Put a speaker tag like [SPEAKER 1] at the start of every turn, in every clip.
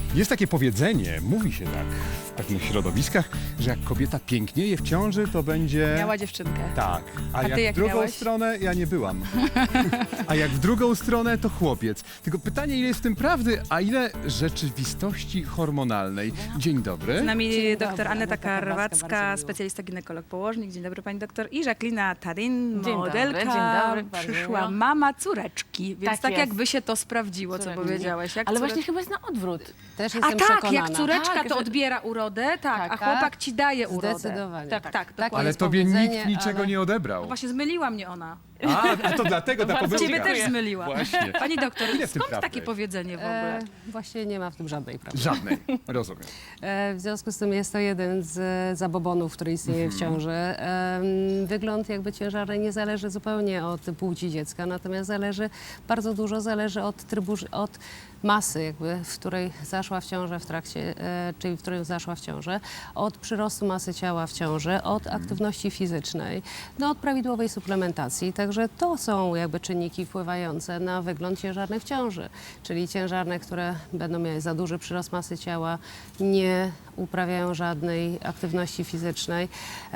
[SPEAKER 1] Jest takie powiedzenie, mówi się tak w pewnych środowiskach, że jak kobieta pięknieje w ciąży, to będzie...
[SPEAKER 2] Miała dziewczynkę.
[SPEAKER 1] Tak, a
[SPEAKER 2] ty
[SPEAKER 1] jak
[SPEAKER 2] jak
[SPEAKER 1] w drugą
[SPEAKER 2] miałeś?
[SPEAKER 1] stronę, ja nie byłam. A jak w drugą stronę, to chłopiec. Tylko pytanie, ile jest w tym prawdy, a ile rzeczywistości hormonalnej. Dzień dobry.
[SPEAKER 2] Z nami
[SPEAKER 3] Dzień
[SPEAKER 2] dr
[SPEAKER 3] dobry,
[SPEAKER 2] Aneta
[SPEAKER 3] Aneta Karwacka,
[SPEAKER 2] Karwacka,
[SPEAKER 3] bardzo miło.
[SPEAKER 2] specjalista ginekolog położnik. Dzień dobry pani doktor. I Jacqueline Tarin,
[SPEAKER 3] Dzień
[SPEAKER 2] modelka.
[SPEAKER 3] dobry, dzień dobry, bardzo
[SPEAKER 2] Przyszła
[SPEAKER 3] miło.
[SPEAKER 2] mama córeczki, więc tak
[SPEAKER 3] jest.
[SPEAKER 2] jakby się to sprawdziło, co
[SPEAKER 3] Córeczki.
[SPEAKER 2] powiedziałeś. Jak
[SPEAKER 3] Ale
[SPEAKER 2] córeczka-
[SPEAKER 3] właśnie chyba jest na odwrót.
[SPEAKER 4] Też
[SPEAKER 2] A
[SPEAKER 4] jestem
[SPEAKER 2] tak,
[SPEAKER 4] przekonana.
[SPEAKER 2] jak córeczka
[SPEAKER 3] Tak,
[SPEAKER 2] to
[SPEAKER 3] że-
[SPEAKER 2] odbiera urodę, tak, a
[SPEAKER 4] Tak,
[SPEAKER 2] chłopak
[SPEAKER 4] tak.
[SPEAKER 2] ci daje urodę.
[SPEAKER 4] Zdecydowanie.
[SPEAKER 2] Tak, dokładnie.
[SPEAKER 1] Ale
[SPEAKER 4] jest
[SPEAKER 1] tobie nikt
[SPEAKER 4] powiedzenie,
[SPEAKER 1] niczego
[SPEAKER 4] ale-
[SPEAKER 1] nie odebrał.
[SPEAKER 2] No właśnie zmyliła mnie ona.
[SPEAKER 1] A to dlatego ta
[SPEAKER 3] Bardzo
[SPEAKER 1] pomyłka.
[SPEAKER 2] Ciebie też zmyliła.
[SPEAKER 1] Właśnie.
[SPEAKER 2] Pani doktor,
[SPEAKER 1] Ile w tym
[SPEAKER 2] skąd
[SPEAKER 1] prawdy
[SPEAKER 2] takie
[SPEAKER 1] jest?
[SPEAKER 2] powiedzenie w ogóle?
[SPEAKER 4] Właśnie nie ma w tym żadnej prawdy.
[SPEAKER 1] Żadnej, rozumiem.
[SPEAKER 4] W związku z tym jest to jeden z zabobonów, który istnieje w ciąży. Wygląd jakby ciężarny nie zależy zupełnie od płci dziecka, natomiast bardzo dużo zależy od od masy, jakby, w której zaszła w ciążę w trakcie, czyli w którym zaszła w ciążę, od przyrostu masy ciała w ciąży, od aktywności fizycznej, no, od prawidłowej suplementacji. Także to są jakby czynniki wpływające na wygląd ciężarny w ciąży, czyli ciężarne, które będą miały za duży przyrost masy ciała, nie uprawiają żadnej aktywności fizycznej,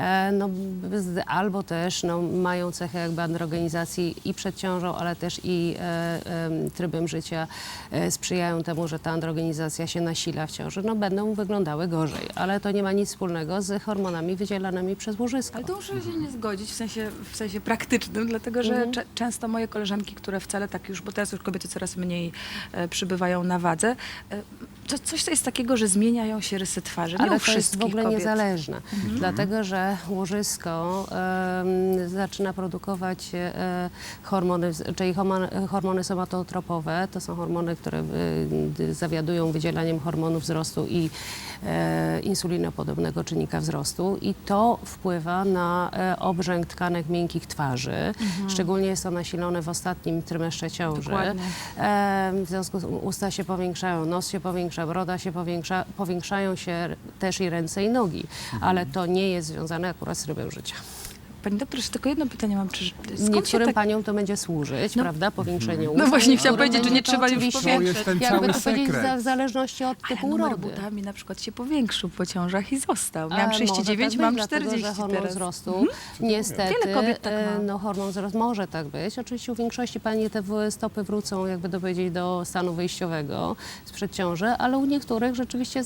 [SPEAKER 4] albo też mają cechę jakby androgenizacji i przed ciążą, ale też i trybem życia sprzyjają temu, że ta androgenizacja się nasila w ciąży, no będą wyglądały gorzej, ale to nie ma nic wspólnego z hormonami wydzielanymi przez łożysko.
[SPEAKER 2] Ale to muszę się nie zgodzić w sensie praktycznym, dlatego że często moje koleżanki, które wcale tak już, bo teraz już kobiety coraz mniej przybywają na wadze, coś to jest takiego, że zmieniają się rysy twarzy. Nie
[SPEAKER 4] Ale
[SPEAKER 2] u
[SPEAKER 4] to jest w
[SPEAKER 2] wszystkich
[SPEAKER 4] ogóle
[SPEAKER 2] kobiet.
[SPEAKER 4] niezależne, dlatego że łożysko zaczyna produkować hormony, czyli hormony somatotropowe, to są hormony, które zawiadują wydzielaniem hormonu wzrostu i insulinopodobnego czynnika wzrostu i to wpływa na obrzęk tkanek miękkich twarzy. Szczególnie jest to nasilone w ostatnim trymestrze ciąży.
[SPEAKER 2] Dokładnie.
[SPEAKER 4] W związku z tym usta się powiększają, nos się powiększa, broda się powiększa, powiększają się też i ręce i nogi, ale to nie jest związane akurat z trybem życia.
[SPEAKER 2] Pani doktor, jeszcze tylko jedno pytanie mam. Skąd się
[SPEAKER 4] Niektórym
[SPEAKER 2] tak...
[SPEAKER 4] paniom to będzie służyć, prawda, powiększenie ust.
[SPEAKER 2] No właśnie chciałam
[SPEAKER 4] Niektórym
[SPEAKER 2] powiedzieć, że
[SPEAKER 4] będzie
[SPEAKER 2] nie
[SPEAKER 4] to
[SPEAKER 2] trzeba już
[SPEAKER 4] oczywiście,
[SPEAKER 1] To jest ten
[SPEAKER 4] jakby
[SPEAKER 1] cały
[SPEAKER 4] to powiedzieć,
[SPEAKER 1] sekret.
[SPEAKER 4] w zależności od
[SPEAKER 2] Ale
[SPEAKER 4] typu
[SPEAKER 2] numer
[SPEAKER 4] urody.
[SPEAKER 2] buta mi na przykład się powiększył po ciążach i został. Miałam
[SPEAKER 4] Może
[SPEAKER 2] 39,
[SPEAKER 4] tak
[SPEAKER 2] mam
[SPEAKER 4] być, dlatego,
[SPEAKER 2] 40
[SPEAKER 4] że hormon
[SPEAKER 2] teraz.
[SPEAKER 4] wzrostu, niestety,
[SPEAKER 2] Wiele kobiet tak ma.
[SPEAKER 4] no hormon wzrostu może tak być. Oczywiście u większości pani te stopy wrócą, jakby to powiedzieć, do stanu wyjściowego sprzed ciąży, ale u niektórych rzeczywiście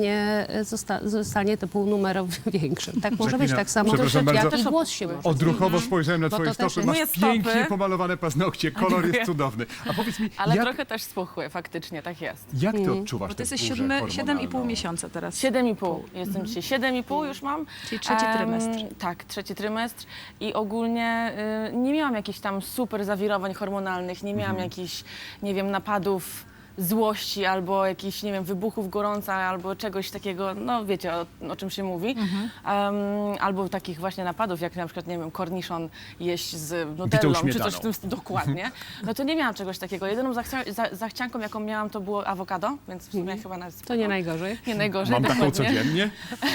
[SPEAKER 4] zostanie te półnumero większe. Tak może być,
[SPEAKER 1] Jacqueline,
[SPEAKER 4] tak samo
[SPEAKER 1] przepraszam
[SPEAKER 4] jak
[SPEAKER 1] bardzo.
[SPEAKER 4] i głos się może
[SPEAKER 1] Odruchowo spojrzałem na
[SPEAKER 4] Bo
[SPEAKER 1] twoje
[SPEAKER 4] to też
[SPEAKER 1] stopy,
[SPEAKER 4] jest-
[SPEAKER 1] masz
[SPEAKER 3] Moje stopy.
[SPEAKER 1] pięknie pomalowane paznokcie, kolor jest
[SPEAKER 3] Dziękuję.
[SPEAKER 1] cudowny. A powiedz mi,
[SPEAKER 3] Ale
[SPEAKER 1] jak,
[SPEAKER 3] trochę też spuchłe, faktycznie, tak jest.
[SPEAKER 1] jak ty odczuwasz
[SPEAKER 2] Bo
[SPEAKER 1] tę
[SPEAKER 2] ty jesteś
[SPEAKER 1] burzę
[SPEAKER 2] 7,5
[SPEAKER 1] hormonalną?
[SPEAKER 2] miesiąca teraz.
[SPEAKER 3] 7,5. Jestem dzisiaj 7,5 już mam.
[SPEAKER 2] Czyli trzeci trymestr.
[SPEAKER 3] Tak, trzeci trymestr. I ogólnie nie miałam jakichś tam super zawirowań hormonalnych, nie miałam jakichś, nie wiem, napadów złości albo jakichś, nie wiem, wybuchów gorąca albo czegoś takiego, no wiecie o czym się mówi. Albo takich właśnie napadów, jak na przykład, nie wiem, korniszon jeść z nutellą czy
[SPEAKER 1] śmietaną.
[SPEAKER 3] coś w tym stylu, dokładnie. No to nie miałam czegoś takiego. Jedyną zachcianką, jaką miałam, to było awokado, więc w sumie chyba nawet
[SPEAKER 4] To nie najgorzej.
[SPEAKER 3] nie najgorzej.
[SPEAKER 1] Mam taką
[SPEAKER 3] dokładnie.
[SPEAKER 1] codziennie.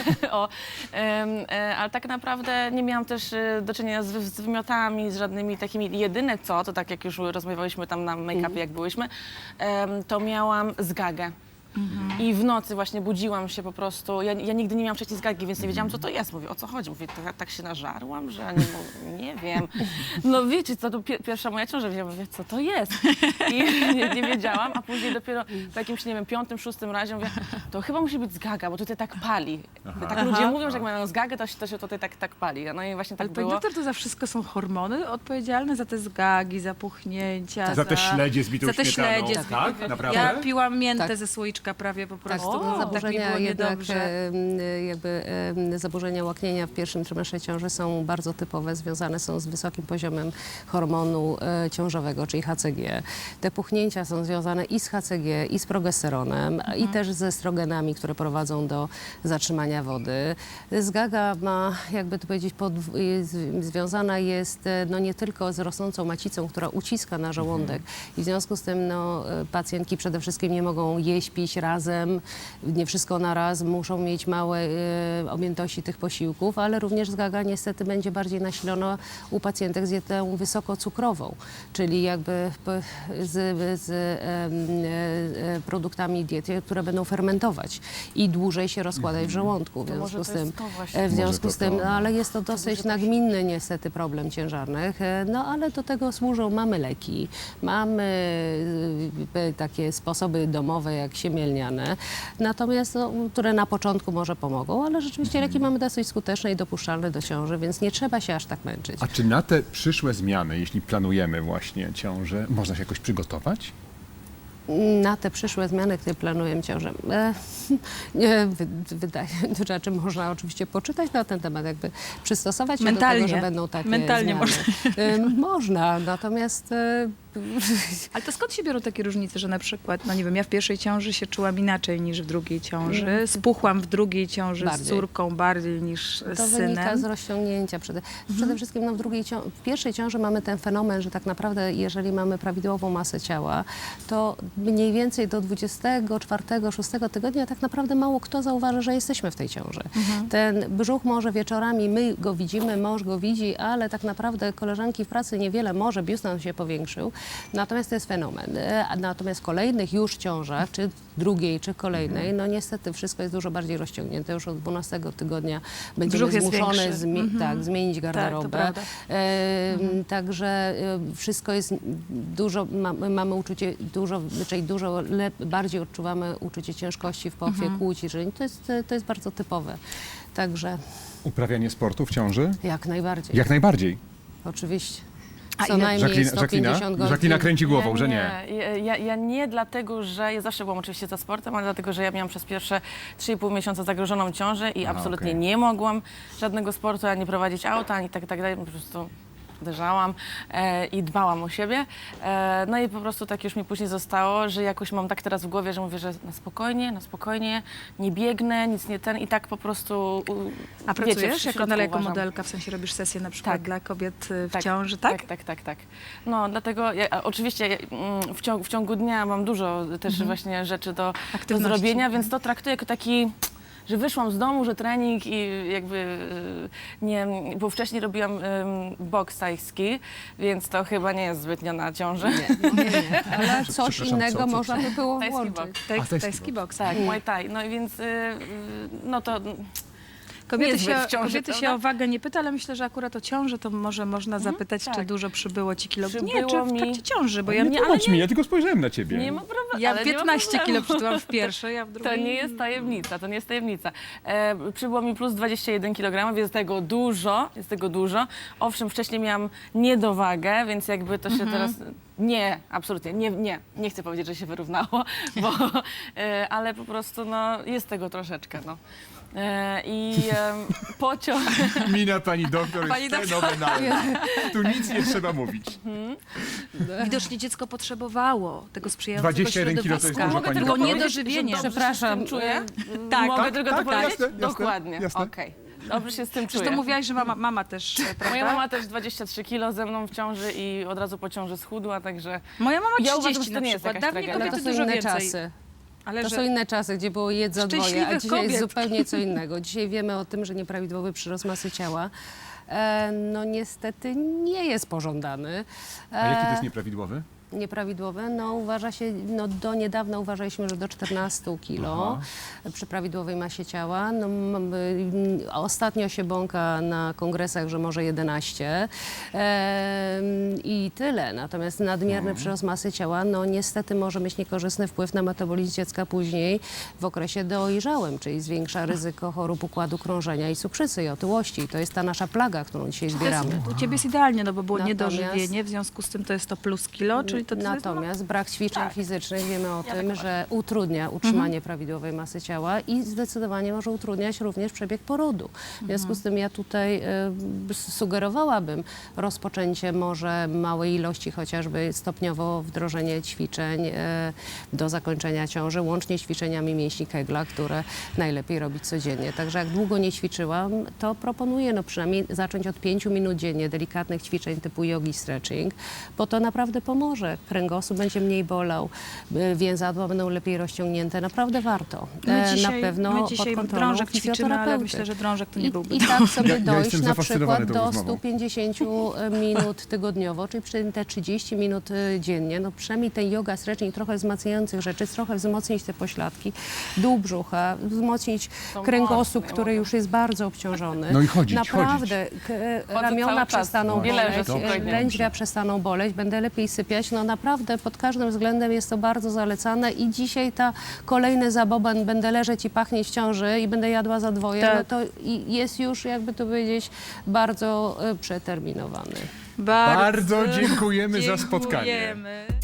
[SPEAKER 3] Ale tak naprawdę nie miałam też do czynienia z wymiotami, z żadnymi takimi. Jedyne co, to tak jak już rozmawialiśmy tam na make-upie, jak byłyśmy, to miałam zgagę. I w nocy właśnie budziłam się po prostu, ja nigdy nie miałam wcześniej zgagi, więc nie wiedziałam, co to jest. Mówię, o co chodzi? Mówię, tak się nażarłam, że nie wiem. No wiecie, co to pierwsza moja ciąża, mówię, co to jest? I nie wiedziałam, a później dopiero w jakimś, nie wiem, 5., 6. razie mówię, to chyba musi być zgaga, bo tutaj tak pali. Tak ludzie mówią, że jak mają zgagę, to się tutaj tak pali. No i właśnie tak
[SPEAKER 2] Ale pani
[SPEAKER 3] było.
[SPEAKER 2] doktor, to za wszystko są hormony odpowiedzialne za te zgagi, za puchnięcia,
[SPEAKER 1] Za te śledzie z bitą
[SPEAKER 2] za te
[SPEAKER 1] śmietaną.
[SPEAKER 2] śledzie z
[SPEAKER 1] Tak?
[SPEAKER 2] bitą-
[SPEAKER 1] Naprawdę?
[SPEAKER 2] Ja piłam miętę
[SPEAKER 4] Tak.
[SPEAKER 2] ze słoiczka prawie po
[SPEAKER 4] Tak,
[SPEAKER 2] prostu.
[SPEAKER 4] to
[SPEAKER 2] Tak mi
[SPEAKER 4] zaburzenia
[SPEAKER 2] było
[SPEAKER 4] jednak,
[SPEAKER 2] niedobrze.
[SPEAKER 4] zaburzenia łaknienia w pierwszym trymestrze ciąży są bardzo typowe, związane są z wysokim poziomem hormonu ciążowego, czyli HCG. Te puchnięcia są związane i z HCG, i z progesteronem, i też ze estrogenami, które prowadzą do zatrzymania wody. Zgaga ma, jakby to powiedzieć, związana jest no, nie tylko z rosnącą macicą, która uciska na żołądek i w związku z tym no, pacjentki przede wszystkim nie mogą jeść, pić, pić razem, nie wszystko na raz, muszą mieć małe objętości tych posiłków, ale również zgaga niestety będzie bardziej nasilona u pacjentek z dietą wysokocukrową, czyli jakby z produktami diety, które będą fermentować i dłużej się rozkładać w żołądku. W
[SPEAKER 3] To może
[SPEAKER 4] związku z
[SPEAKER 3] to
[SPEAKER 4] tym,
[SPEAKER 3] jest to właśnie.
[SPEAKER 4] w związku
[SPEAKER 1] Może
[SPEAKER 4] z
[SPEAKER 1] to
[SPEAKER 4] tym,
[SPEAKER 1] to.
[SPEAKER 4] no, ale jest to dosyć nagminny niestety problem ciężarnych, no ale do tego służą, mamy leki, mamy takie sposoby domowe jak siemielniane, natomiast no, które na początku może pomogą, ale rzeczywiście leki mamy dosyć skuteczne i dopuszczalne do ciąży, więc nie trzeba się aż tak męczyć.
[SPEAKER 1] A czy na te przyszłe zmiany, jeśli planujemy właśnie ciążę, można się jakoś przygotować?
[SPEAKER 4] Na te przyszłe zmiany, które planuję ciążę, wydaje się, znaczy można oczywiście poczytać na ten temat, jakby przystosować się do
[SPEAKER 2] Mentalnie.
[SPEAKER 4] tego, że będą takie
[SPEAKER 2] Mentalnie
[SPEAKER 4] zmiany. Można, natomiast
[SPEAKER 2] Ale to skąd się biorą takie różnice, że na przykład, no nie wiem, ja w pierwszej ciąży się czułam inaczej niż w drugiej ciąży, spuchłam w drugiej ciąży z
[SPEAKER 4] Bardziej.
[SPEAKER 2] córką bardziej niż
[SPEAKER 4] to
[SPEAKER 2] z
[SPEAKER 4] wynika
[SPEAKER 2] synem.
[SPEAKER 4] z rozciągnięcia. Przede wszystkim no, w pierwszej ciąży mamy ten fenomen, że tak naprawdę jeżeli mamy prawidłową masę ciała, to mniej więcej do 24-6 tygodnia tak naprawdę mało kto zauważy, że jesteśmy w tej ciąży. Ten brzuch może wieczorami, my go widzimy, mąż go widzi, ale tak naprawdę koleżanki w pracy niewiele, może biust nam się powiększył, natomiast to jest fenomen. Natomiast w kolejnych już ciążach, czy drugiej, czy kolejnej, no niestety wszystko jest dużo bardziej rozciągnięte. Już od 12 tygodnia będziemy
[SPEAKER 2] Brzuch jest
[SPEAKER 4] zmuszone
[SPEAKER 2] większy.
[SPEAKER 4] tak, zmienić
[SPEAKER 2] to
[SPEAKER 4] garderobę.
[SPEAKER 2] prawda.
[SPEAKER 4] Także wszystko jest dużo, mamy uczucie czyli bardziej odczuwamy uczucie ciężkości w pochwie, kłuci, że to jest bardzo typowe. Także
[SPEAKER 1] Uprawianie sportu w ciąży?
[SPEAKER 4] jak najbardziej.
[SPEAKER 1] Jak najbardziej.
[SPEAKER 4] Oczywiście.
[SPEAKER 2] A
[SPEAKER 4] Co
[SPEAKER 2] ile-
[SPEAKER 4] najmniej 150 godzin.
[SPEAKER 1] Jacqueline kręci głową, że nie.
[SPEAKER 3] Ja nie dlatego, że ja zawsze byłam oczywiście za sportem, ale dlatego, że ja miałam przez pierwsze 3,5 miesiąca zagrożoną ciążę i absolutnie
[SPEAKER 1] okej.
[SPEAKER 3] nie mogłam żadnego sportu, ani prowadzić auta, ani tak dalej. Po prostu uderzałam i dbałam o siebie. No i po prostu tak już mi później zostało, że jakoś mam tak teraz w głowie, że mówię, że na spokojnie, nie biegnę, nic nie ten i tak po prostu
[SPEAKER 2] A
[SPEAKER 3] wiecie,
[SPEAKER 2] pracujesz
[SPEAKER 3] w środku
[SPEAKER 2] jako
[SPEAKER 3] uważam.
[SPEAKER 2] modelka, w sensie robisz sesje na przykład
[SPEAKER 3] Tak.
[SPEAKER 2] dla kobiet w
[SPEAKER 3] Tak,
[SPEAKER 2] ciąży, tak?
[SPEAKER 3] Tak. No dlatego oczywiście w ciągu dnia mam dużo też właśnie rzeczy do
[SPEAKER 2] Aktywności.
[SPEAKER 3] zrobienia, więc to traktuję jako taki, że wyszłam z domu, że trening i jakby nie, bo wcześniej robiłam boks tajski, więc to chyba nie jest zbytnio na ciąży.
[SPEAKER 4] Nie. Ale coś
[SPEAKER 1] Przepraszam,
[SPEAKER 4] innego
[SPEAKER 1] co?
[SPEAKER 4] można by było
[SPEAKER 3] Tajski
[SPEAKER 4] włączyć.
[SPEAKER 3] boks.
[SPEAKER 1] tajski
[SPEAKER 2] Tajski boks.
[SPEAKER 3] Tak, Muay Thai. No i więc no to
[SPEAKER 2] Kobiety,
[SPEAKER 3] niezbyt
[SPEAKER 2] się,
[SPEAKER 3] w ciąży,
[SPEAKER 2] kobiety się
[SPEAKER 3] prawda?
[SPEAKER 2] o wagę nie pyta, ale myślę, że akurat o ciążę to może można zapytać,
[SPEAKER 3] tak.
[SPEAKER 2] czy dużo przybyło ci kilo. Nie,
[SPEAKER 3] Przybyło
[SPEAKER 2] czy w
[SPEAKER 3] mi-
[SPEAKER 2] trakcie ciąży, bo ja,
[SPEAKER 1] Nie tłumacz mi, ja tylko spojrzałem na ciebie.
[SPEAKER 3] nie ma problemu.
[SPEAKER 2] ja
[SPEAKER 3] ale nie ma
[SPEAKER 2] 15 kilo
[SPEAKER 3] problemu.
[SPEAKER 2] przytyłam w pierwszej, a w drugiej...
[SPEAKER 3] To nie jest tajemnica, Przybyło mi plus 21 kg, więc jest tego dużo. Owszem, wcześniej miałam niedowagę, więc jakby to się teraz... Nie, absolutnie, nie chcę powiedzieć, że się wyrównało, bo, ale po prostu no, jest tego troszeczkę, no. I pociąg...
[SPEAKER 1] Mina pani doktor
[SPEAKER 2] Pani
[SPEAKER 1] jest
[SPEAKER 2] doktor.
[SPEAKER 1] fenomenalna. Tu nic nie trzeba mówić.
[SPEAKER 2] Widocznie dziecko potrzebowawało tego sprzyjającego
[SPEAKER 1] 21 kilo to jest
[SPEAKER 2] środowiska.
[SPEAKER 1] dużo,
[SPEAKER 3] Mogę
[SPEAKER 1] pani
[SPEAKER 3] tylko
[SPEAKER 1] doktor?
[SPEAKER 2] Było
[SPEAKER 3] powiedzieć, że
[SPEAKER 2] niedożywienie.
[SPEAKER 3] dobrze się
[SPEAKER 4] Przepraszam,
[SPEAKER 3] z tym czuję?
[SPEAKER 2] tak,
[SPEAKER 3] Mogę
[SPEAKER 1] tak,
[SPEAKER 3] tylko
[SPEAKER 1] tak,
[SPEAKER 3] to powiedzieć?
[SPEAKER 1] jasne, jasne,
[SPEAKER 3] Dokładnie,
[SPEAKER 1] jasne.
[SPEAKER 3] okej. Dobrze się z tym
[SPEAKER 2] Zresztą
[SPEAKER 3] czuję.
[SPEAKER 2] mówiłaś, że mama też, prawda?
[SPEAKER 3] Moja mama też 23 kilo ze mną w ciąży i od razu po ciąży schudła, także...
[SPEAKER 2] Moja mama 30
[SPEAKER 3] Ja uważam, że to
[SPEAKER 2] na
[SPEAKER 3] nie jest
[SPEAKER 2] przykład.
[SPEAKER 3] jakaś
[SPEAKER 2] Dawniej
[SPEAKER 3] tragedia.
[SPEAKER 4] Ale to
[SPEAKER 2] kobiety
[SPEAKER 4] są
[SPEAKER 2] dużo
[SPEAKER 4] inne
[SPEAKER 2] więcej.
[SPEAKER 4] czasy.
[SPEAKER 2] Ale
[SPEAKER 4] To
[SPEAKER 2] że...
[SPEAKER 4] są inne czasy, gdzie było jedz za dwoje, a
[SPEAKER 2] Szczęśliwych
[SPEAKER 4] dzisiaj jest
[SPEAKER 2] kobiet.
[SPEAKER 4] zupełnie co innego. Dzisiaj wiemy o tym, że nieprawidłowy przyrost masy ciała no niestety nie jest pożądany.
[SPEAKER 1] A jaki to jest nieprawidłowy?
[SPEAKER 4] Nieprawidłowe, no uważa się, no do niedawna uważaliśmy, że do 14 kilo przy prawidłowej masie ciała. No, ostatnio się bąka na kongresach, że może 11 i tyle. Natomiast nadmierny przyrost masy ciała, no niestety może mieć niekorzystny wpływ na metabolizm dziecka później w okresie dojrzałym, czyli zwiększa ryzyko chorób układu krążenia i cukrzycy i otyłości. To jest ta nasza plaga, którą dzisiaj zbieramy.
[SPEAKER 2] U ciebie jest idealnie, no bo było
[SPEAKER 4] Natomiast-
[SPEAKER 2] niedożywienie, w związku z tym to jest to plus kilo, czyli to jest...
[SPEAKER 4] Natomiast brak ćwiczeń
[SPEAKER 2] Tak.
[SPEAKER 4] fizycznych wiemy o
[SPEAKER 3] Ja
[SPEAKER 4] tym,
[SPEAKER 3] tak
[SPEAKER 4] że utrudnia utrzymanie prawidłowej masy ciała i zdecydowanie może utrudniać również przebieg porodu. W związku z tym ja tutaj sugerowałabym rozpoczęcie może małej ilości, chociażby stopniowo wdrożenie ćwiczeń do zakończenia ciąży, łącznie z ćwiczeniami mięśni Kegla, które najlepiej robić codziennie. Także jak długo nie ćwiczyłam, to proponuję no przynajmniej zacząć od 5 minut dziennie delikatnych ćwiczeń typu jogi, stretching, bo to naprawdę pomoże kręgosłup będzie mniej bolał, więzadła będą lepiej rozciągnięte. Naprawdę warto.
[SPEAKER 2] My
[SPEAKER 4] Na pewno
[SPEAKER 2] my
[SPEAKER 4] pod
[SPEAKER 2] dzisiaj
[SPEAKER 4] kontrolą
[SPEAKER 2] drążek ćwiczymy, ale
[SPEAKER 4] fizjoterapeuty.
[SPEAKER 2] myślę, że drążek to nie byłby.
[SPEAKER 4] I tak sobie
[SPEAKER 1] Ja
[SPEAKER 4] dojść
[SPEAKER 1] jestem
[SPEAKER 4] na
[SPEAKER 1] zafascynowany
[SPEAKER 4] przykład
[SPEAKER 1] tą
[SPEAKER 4] do
[SPEAKER 1] rozmową.
[SPEAKER 4] 150 minut tygodniowo, czyli przy te 30 minut dziennie. No przynajmniej ten yoga, stretching, trochę wzmacniających rzeczy, trochę wzmocnić te pośladki, dół brzucha, wzmocnić
[SPEAKER 3] To
[SPEAKER 4] kręgosłup,
[SPEAKER 3] mocno,
[SPEAKER 4] który
[SPEAKER 3] ja
[SPEAKER 4] już jest bardzo obciążony.
[SPEAKER 1] No i chodzić,
[SPEAKER 4] Naprawdę, ramiona
[SPEAKER 3] cały czas.
[SPEAKER 4] przestaną
[SPEAKER 3] Nie leżę
[SPEAKER 4] boleć,
[SPEAKER 3] spokojnie.
[SPEAKER 4] lędźwia przestaną boleć, będę lepiej sypiać. No naprawdę pod każdym względem jest to bardzo zalecane i dzisiaj ta kolejny zaboban, będę leżeć i pachnieć w ciąży i będę jadła za dwoje,
[SPEAKER 2] Tak.
[SPEAKER 4] no to jest już, jakby to powiedzieć, bardzo przeterminowany.
[SPEAKER 1] Bardzo dziękujemy za spotkanie.
[SPEAKER 2] Dziękujemy.